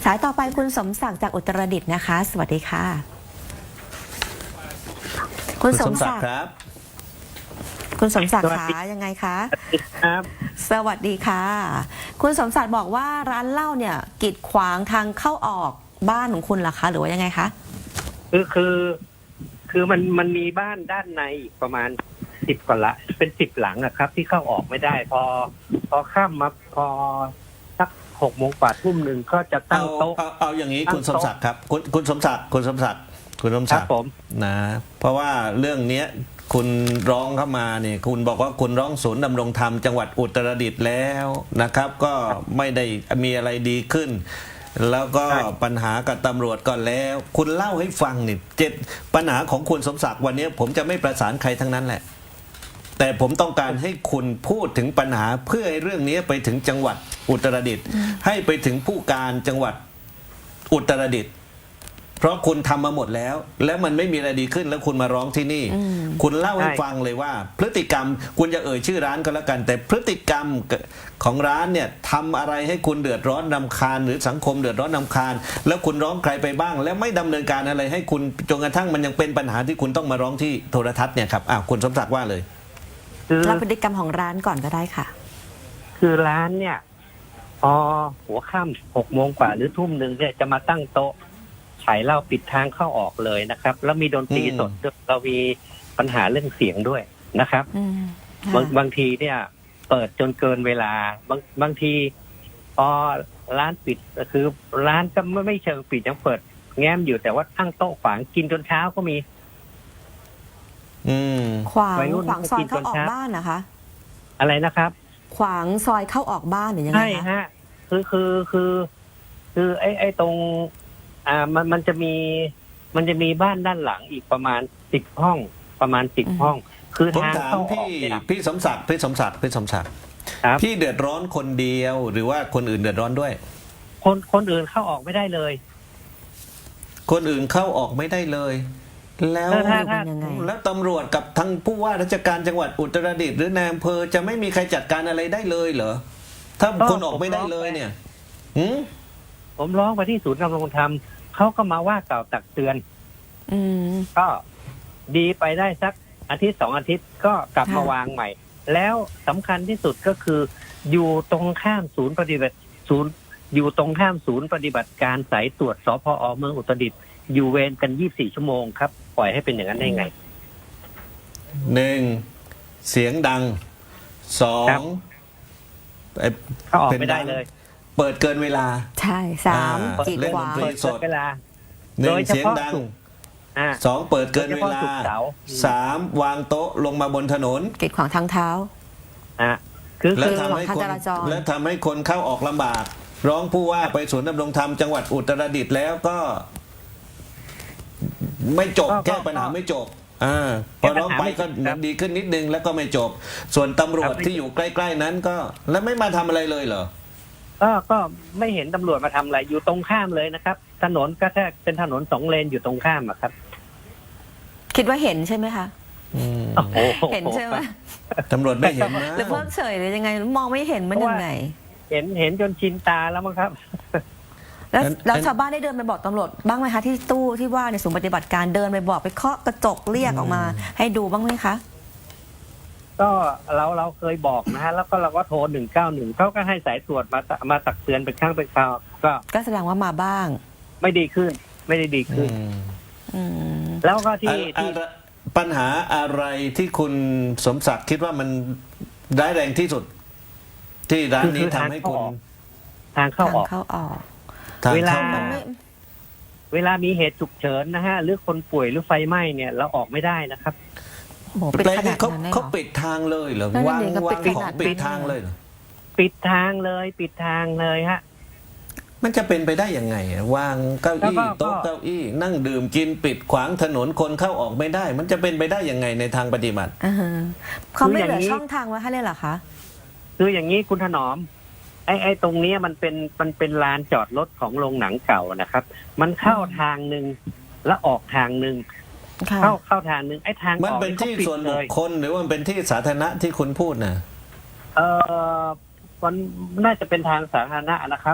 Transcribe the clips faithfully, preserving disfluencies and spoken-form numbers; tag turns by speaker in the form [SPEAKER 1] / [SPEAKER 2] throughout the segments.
[SPEAKER 1] สายต่อไปคุณสมศักดิ์จากอุตรดิตถ์นะคะ สวัสดีค่ะ คุณสมศักดิ์
[SPEAKER 2] ครับ
[SPEAKER 1] คุณสมศักดิ์คะยังไงคะ
[SPEAKER 3] ครับ
[SPEAKER 1] สวัสดีค่ะ คุณสมศักดิ์บอกว่าร้านเหล้าเนี่ยกีดขวางทางเข้าออกบ้านของคุณเหรอคะหรือว่ายังไงคะ
[SPEAKER 3] คือคือคือมันมันมีบ้านด้านในอีกประมาณสิบกว่าละเป็นสิบหลังอะครับ ที่เข้าออกไม่ได้ พอ พอข้ามมาพอสักหกโมงกว่าทุ่มหนึ่งก็จะตั้งโต๊ะ
[SPEAKER 2] เอาเอาอย่างนี้คุณสมศักดิ์ครับคุณคุณสมศักดิ์คุณสมศักดิ์คุณสมศักดิ์นะเพราะว่าเรื่องเนี้ยคุณร้องเข้ามาเนี่ยคุณบอกว่าคุณร้องศูนย์ดำรงธรรมจังหวัดอุตรดิตถ์แล้วนะครับ ก็ไม่ได้มีอะไรดีขึ้น แล้วก็ปัญหากับตำรวจก็แล้ว คุณเล่าให้ฟังนี่เจ็ดปัญหาของคุณสมศักดิ์วันนี้ผมจะไม่ประสานใครทั้งนั้นแหละแต่ผมต้องการให้คุณพูดถึงปัญหาเพื่อให้เรื่องนี้ไปถึงจังหวัดอุตรดิตถ์ให้ไปถึงผู้การจังหวัดอุตรดิตถ์เพราะคุณทำมาหมดแล้วแล้วมันไม่มีอะไรดีขึ้นแล้วคุณมาร้องที่นี่คุณเล่าให้ฟังเลยว่า พฤติกรรมคุณจะเอ่ยชื่อร้านก็แล้วกัน แต่พฤติกรรมของร้านเนี่ยทำอะไรให้คุณเดือดร้อนรำคาญหรือสังคมเดือดร้อนรำคาญแล้วคุณร้องใครไปบ้าง แล้วไม่ดำเนินการอะไรให้คุณจนกระทั่งมันยังเป็นปัญหาที่คุณต้องมาร้องที่โทรทัศน์เนี่ยครับอ้าวคุณสมศักดิ์ว่าเลย
[SPEAKER 1] เล่าพฤติกรรมของร้านก่อนก็ได้ค่ะ
[SPEAKER 3] คือร้านเนี่ยพอหัวค่ำหกโมงกว่าหรือทุ่มหนึ่งเนี่ยจะมาตั้งโต๊ะขายเหล้าปิดทางเข้าออกเลยนะครับแล้วมีดนตรีสดเรามีปัญหาเรื่องเสียงด้วยนะครับบางบางทีเนี่ยเปิดจนเกินเวลาบางบางทีพอร้านปิดคือร้านก็ไม่ไม่เชิงปิดยังเปิดแง้มอยู่แต่ว่าตั้งโต๊ะขวางกินจนเช้าก็มี
[SPEAKER 2] อืม
[SPEAKER 1] ขวางขวางซอยเข้าออกบ้านนะคะ
[SPEAKER 3] อะไรนะครับ
[SPEAKER 1] ขวางซอยเข้าออกบ้านหรือยังไงคะ
[SPEAKER 3] ใช่ฮะคือคือคือคือไอ้ไอ้ตรงอ่ามันมันจะมีมันจะมีบ้านด้านหลังอีกประมาณสิบห้องประมาณสิบห้องคือทางเข้าออกเนี่ย
[SPEAKER 2] พี่สมศักดิ์พี่สมศักดิ์พี่สมศักดิ์พี่เดือดร้อนคนเดียวหรือว่าคนอื่นเดือดร้อนด้วย
[SPEAKER 3] คนคนอื่นเข้าออกไม่ได้เลย
[SPEAKER 2] คนอื่นเข้าออกไม่ได้เลยแล้วแล้วตำรวจกับทั้งผู้ว่าราชการจังหวัดอุตรดิตถ์หรือนายอำเภอจะไม่มีใครจัดการอะไรได้เลยเหรอถ้าคนออกไม่ได้เลยเนี่ย
[SPEAKER 3] ผมร้องไปที่ศูนย์ดำรงธรรมเขาก็มาว่ากล่าวตักเตือน
[SPEAKER 1] อืม
[SPEAKER 3] ก็ดีไปได้สักอาทิตย์สองอาทิตย์ก็กลับมาวางใหม่แล้วสำคัญที่สุดก็คืออยู่ตรงข้ามศูนย์ปฏิบัติศูนย์อยู่ตรงข้ามศูนย์ปฏิบัติการสายตรวจสพอเมืองอุตรดิตถ์อยู่เวรกันยี่สิบสี่ชั่วโมงครับปล่อยให้เป็นอย่างนั้นได้ไง
[SPEAKER 2] หนึ่งเสียงดังสอง
[SPEAKER 3] เขาออกไม่ได้เลย
[SPEAKER 2] เปิดเกินเวลา
[SPEAKER 1] ใช่สามกีดขวาง
[SPEAKER 2] เปิด
[SPEAKER 3] เวลา
[SPEAKER 2] หนึ่งเสียงดังสองเปิดเกินเวลาสามวางโต๊ะลงมาบนถนน
[SPEAKER 1] กีดขวางทางเท้า
[SPEAKER 3] อ่ะคือ
[SPEAKER 2] แล้วทำให้คนแล้วทำให้คนเข้าออกลำบากร้องผู้ว่าไปศูนย์ดำรงธรรมจังหวัดอุตรดิตถ์แล้วก็ไม่จบแก้ปัญหาไม่จบอ่าพอร้องไปก็ดีขึ้นนิดนึงแล้วก็ไม่จบส่วนตำรวจที่อยู่ใกล้ๆนั้นก็แล้วไม่มาทำอะไรเลยเหรอ
[SPEAKER 3] ก็ก็ไม่เห็นตำรวจมาทำอะไรอยู่ตรงข้ามเลยนะครับถนนก็แค่เป็นถนนสองเลนอยู่ตรงข้ามอะครับ
[SPEAKER 1] คิดว่าเห็นใช่ไหมคะเห็นใช่ไหม
[SPEAKER 2] ตำรวจไม่เห็นนะ
[SPEAKER 1] หรือเพิกเฉยหรือยังไงมองไม่เห็นมันยังไง
[SPEAKER 3] เห็นเห็นจนชินตาแล้วมั้งครับ
[SPEAKER 1] แล้วแล้วชาวบ้านได้เดินไปบอกตำรวจบ้างไหมคะที่ตู้ที่ว่าในศูนย์ปฏิบัติการเดินไปบอกไปเคาะกระจกเรียกออกมาให้ดูบ้างไหมคะ
[SPEAKER 3] ก็เราเราเคยบอกนะฮะแล้วก็เราก็โทรหนึ่งเก้าหนึ่งเขาก็ให้สายตรวจมามาตักเตือนเป็นครั้งเป็นคราวก็
[SPEAKER 1] ก็แสดงว่ามาบ้าง
[SPEAKER 3] ไม่ดีขึ้นไม่ได้ดีขึ้นแล้วก็ที่ที่
[SPEAKER 2] ปัญหาอะไรที่คุณสมศักดิ์คิดว่ามันร้ายแรงที่สุดที่ร้านนี้ทำให้คุณ
[SPEAKER 3] ทางเข้าออก
[SPEAKER 1] เข้าออก
[SPEAKER 3] เวลาเวลามีเหตุฉุกเฉินนะฮะหรือคนป่วยหรือไฟไหม้เนี่ยเราออกไม่ได้นะครับ
[SPEAKER 1] ปิดขนาดนั้นเลย
[SPEAKER 2] เขาปิดทางเลยเหรอวางวางของปิดทางเลยเหรอ
[SPEAKER 3] ปิดทางเลยปิดทางเลยฮะ
[SPEAKER 2] มันจะเป็นไปได้ยังไงวางเก้าอี้โต๊ะเก้าอี้นั่งดื่มกินปิดขวางถนนคนเข้าออกไม่ได้มันจะเป็นไปได้ยังไงในทางปฏิบัติ
[SPEAKER 1] เขาไม่เหลือช่องทางไว้ให้เลยเหรอคะ
[SPEAKER 3] คืออย่างนี้คุณถนอมไอ้ไอ้ตรงนี้มันเป็นมันเป็นลานจอดรถของโรงหนังเก่านะครับมันเข้าทางหนึ่งแล้วออกทางหนึ่งเข้าเข้าทางหนึ่งไอ้ทาง
[SPEAKER 2] มันเป็นที่ส่วนบุคคลหรือว่ามันเป็นที่สาธารณะที่คุณพูดนะ
[SPEAKER 3] เออมันน่าจะเป็นทางสาธารณะนะครับ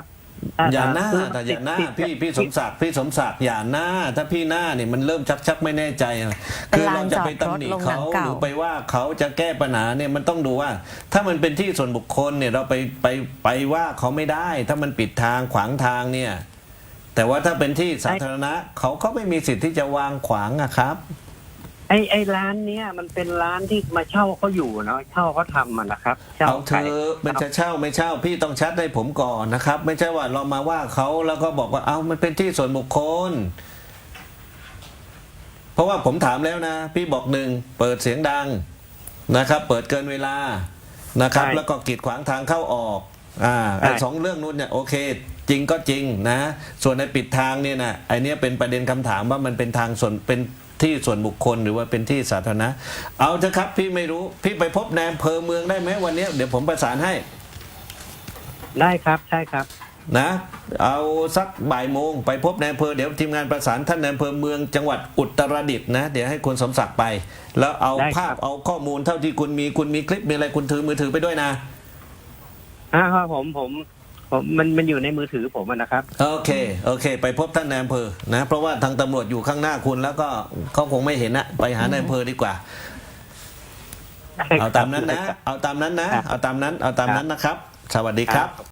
[SPEAKER 2] อย่าหน้า
[SPEAKER 3] คือ
[SPEAKER 2] แต่อย่าหน้า
[SPEAKER 3] ติด
[SPEAKER 2] พี่พี่สมศักดิ์พี่สมศักดิ์อย่าหน้า ถ้าพี่หน้าเนี่ยมันเริ่มชักชักไม่แน่ใจอะ
[SPEAKER 1] เป็น
[SPEAKER 2] คือ
[SPEAKER 1] ลา
[SPEAKER 2] เรา
[SPEAKER 1] น
[SPEAKER 2] จะ
[SPEAKER 1] จอ
[SPEAKER 2] ไป
[SPEAKER 1] ดรถ
[SPEAKER 2] ตำหนิ
[SPEAKER 1] โรงหนั
[SPEAKER 2] เขา
[SPEAKER 1] ง
[SPEAKER 2] ห
[SPEAKER 1] เก่า
[SPEAKER 2] รือไปว่าเขาจะแก้ปัญหาเนี่ยมันต้องดูว่า ถ้ามันเป็นที่ส่วนบุคคลเนี่ยเราไปไปไปว่าเขาไม่ได้ ถ้ามันปิดทางขวางทางเนี่ย แต่ว่าถ้าเป็นที่สาธารณะเขาก็ไม่มีสิทธิ์ที่จะวางขวางอะครับ
[SPEAKER 3] ไอ้ไอ้ร้านเนี้ยมันเป็นร้านที่มาเช่าเขาอยู่เนาะเช่าเขาทำมันนะครับเช่า
[SPEAKER 2] เอาเธ
[SPEAKER 3] ขาย
[SPEAKER 2] อมันจะเช่าไม่เช่าพี่ต้องชัดให้ผมก่อนนะครับ ไม่ใช่ว่าเรามาว่าเขาแล้วก็บอกว่าเอามันเป็นที่ส่วนบุคคล เพราะว่าผมถามแล้วนะ พี่บอกหนึ่งเปิดเสียงดังนะครับ เปิดเกินเวลานะครับ แล้วก็กีดขวางทางเข้าออกอ่าไอ้สองเรื่องนู้นเนี่ยโอเค จริงก็จริงนะ ส่วนในปิดทางเนี่ยนะไอเนี้ยเป็นประเด็นคำถามว่ามันเป็นทางส่วนเป็นที่ส่วนบุคคลหรือว่าเป็นที่สาธารณะเอาเถอะครับพี่ไม่รู้พี่ไปพบนายอำเภอเมืองได้ไหมวันนี้เดี๋ยวผมประสานให้
[SPEAKER 3] ได้ครับใช่ครับ
[SPEAKER 2] นะเอาสักบ่ายโมงไปพบนายอำเภอเดี๋ยวทีมงานประสานท่านนายอำเภอเมืองจังหวัดอุตรดิตถ์นะเดี๋ยวให้คุณสมศักดิ์ไป แล้วเอา
[SPEAKER 3] ได้ครับ
[SPEAKER 2] ภาพเอาข้อมูลเท่าที่คุณมีคุณมีคลิปมีอะไรคุณถือมือถือไปด้วยนะ
[SPEAKER 3] อ่าครับผมผมผมมันมันอยู่ในมือถือผมอะนะครับ
[SPEAKER 2] โอเคโอเค ไปพบท่านนายอำเภอนะเพราะว่าทางตำรวจอยู่ข้างหน้าคุณแล้วก็เขาคงไม่เห็นนะไปหานายอำเภอดีกว่า เอาตามนั้นนะเอาตามนั้นนะเอาตามนั้นเอาตามนั้นนะครับ สวัสดีครับ